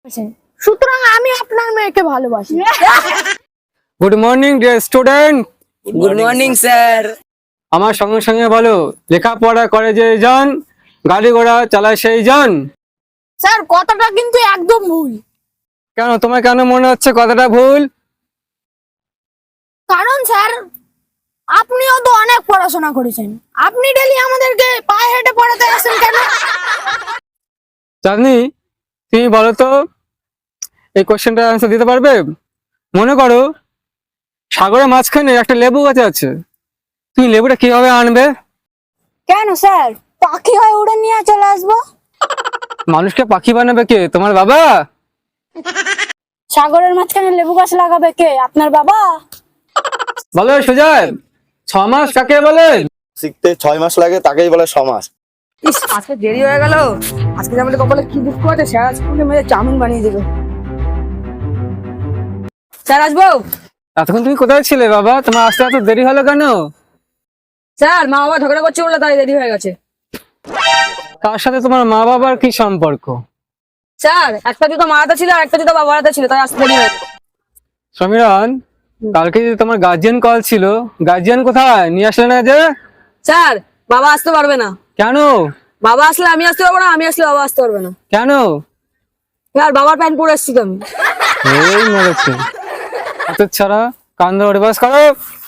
সুতরাং আমি আপনার মেয়েকে ভালোবাসি। Good morning dear student. Good morning sir. আমার সঙ্গে সঙ্গে বলো, লেখাপড়া করে যে জন, গাড়ি ঘোড়া চালায় সেই জন। স্যার কথাটা কিন্তু একদম ভুল। কেন, তোমার কেন মনে হচ্ছে কথাটা ভুল? কারণ স্যার আপনিও তো অনেক পড়াশোনা করেছেন, আপনি ডেলি আমাদেরকে পায়ে হেঁটে পড়াতে আসেন কেন? চাঁদনি, তুমি বলো তো, এই কোশ্চেনটার অ্যান্সার দিতে পারবে? মনে করো সাগরের মাঝখানে একটা লেবু গাছ আছে, তুমি লেবুটা কিভাবে আনবে? কেন স্যার, পাখি হয়ে উড়ে নিয়ে চলে আসবো। মানুষকে পাখি বানাবে কে? তোমার বাবা? সাগরের মাঝখানে লেবু গাছ লাগাবে কে? আপনার বাবা। বলো সুজয়, 6 মাস কাকে বলে? শিখতে 6 মাস লাগে, তাকেই বলে সমাজ। ইস, আজকে দেরি হয়ে গেল। আজকে আমাদের কপালে কি দুঃখ আছে, স্যার আজকে মেরে চাউমিন বানিয়ে দেবে। স্যার আসবো? এতক্ষণ তুমি কোথায় ছিলে বাবা? তোমার আসতে এত দেরি হলো কেন? স্যার মা বাবা ঝগড়া করছে বলে তাই দেরি হয়ে গেছে। তার সাথে তোমার মা বাবার কি সম্পর্ক? স্যার একটা জুতো মারাতে ছিল আর একটা জুতো বাবারাতে ছিল, তাই আসতে দেরি হয়ে গেছে। সমীরন, কালকে যে তোমার গার্জিয়ান কল ছিল, গার্জিয়ান কোথায়? নিয়ে আসলে না যে? স্যার বাবা আসতে পারবে না। কেন? বাবা আসলে আমি আসতে পারবো না, আমি আসলে বাবা আসতে পারবে না। কেন? স্যার বাবার প্যান্ট পরে এসছি তো আমি। এই মেরেছে অত ছাড়া, কান ধরে বাস করো।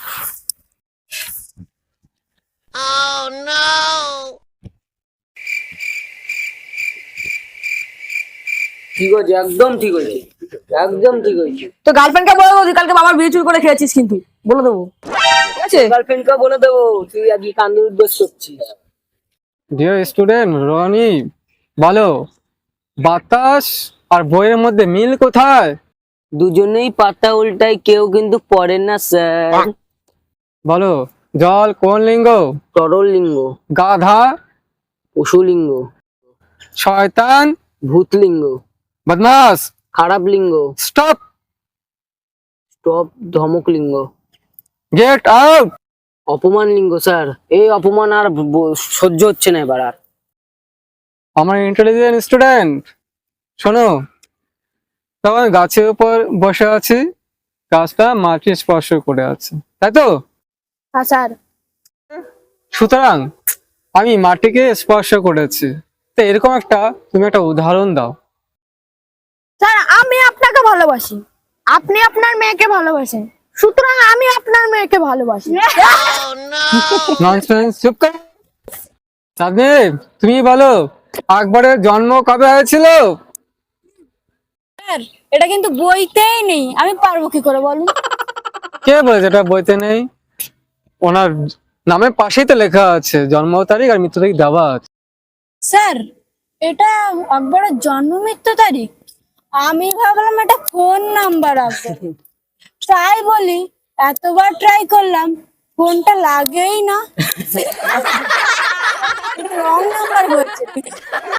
ঠিক আছে, একদম ঠিক হয়েছে, একদম ঠিক হয়েছে। তো গার্লফ্রেন্ডকে বলে দেবো তুই কালকে বাবার বিয়ে চুরি করে খেয়েছিস, কিন্তু বলে দেবো, ঠিক আছে? গার্লফ্রেন্ডকে বলে দেবো তুই আজকে কান্দুর দোষ করছিস। ডিয়ার স্টুডেন্ট রনি, বলো বাতাস আর বইয়ের মধ্যে মিল কোথায়? দুজনেই পাতা উল্টায়, কেউ কিন্তু পড়ে না স্যার। বলো জল কোন লিঙ্গ? তরল লিঙ্গ। গাধা? পশুলিঙ্গ। শয়তান? ভূতলিঙ্গ। বদমাস? খারাপ লিঙ্গ। স্টপ, স্টপ ধমক লিঙ্গ। Get out. অপমান লিঙ্গ স্যার, এই অপমান আর সহ্য হচ্ছে না এবার আর। আমার ইন্টেলিজেন্ট স্টুডেন্ট শোনো, তখন গাছের উপর বসে আছি, গাছটা মাটি স্পর্শ করে আছে, তাই তো? হ্যাঁ স্যার। সুতরাং আমি মাটিকে স্পর্শ করেছি, তো এরকম একটা তুমি একটা উদাহরণ দাও। স্যার আমি আপনাকে ভালোবাসি, আপনি আপনার মেয়েকে ভালোবাসেন, সুতরাং আমি আপনার মেয়েকে ভালোবাসি। ননসেন্স, চুপ কর। চাঁদনি, তুমি বলো আকবরের জন্ম কবে হয়েছিল? স্যার এটা কিন্তু বইতেই নেই, আমি পারবো কি করে বলুন? কে বলেছে এটা বইতে নেই? ওনার নামের পাশেই তো লেখা আছে জন্ম তারিখ আর মৃত্যু তারিখ দেওয়া আছে। স্যার এটা আকবরের জন্ম মৃত্যু তারিখ, আমি ভাবলাম এটা ফোন নাম্বার আছে। ট্রাই বলি, এতবার ট্রাই করলাম, ফোনটা লাগেই না। রং নাম্বার বলছে।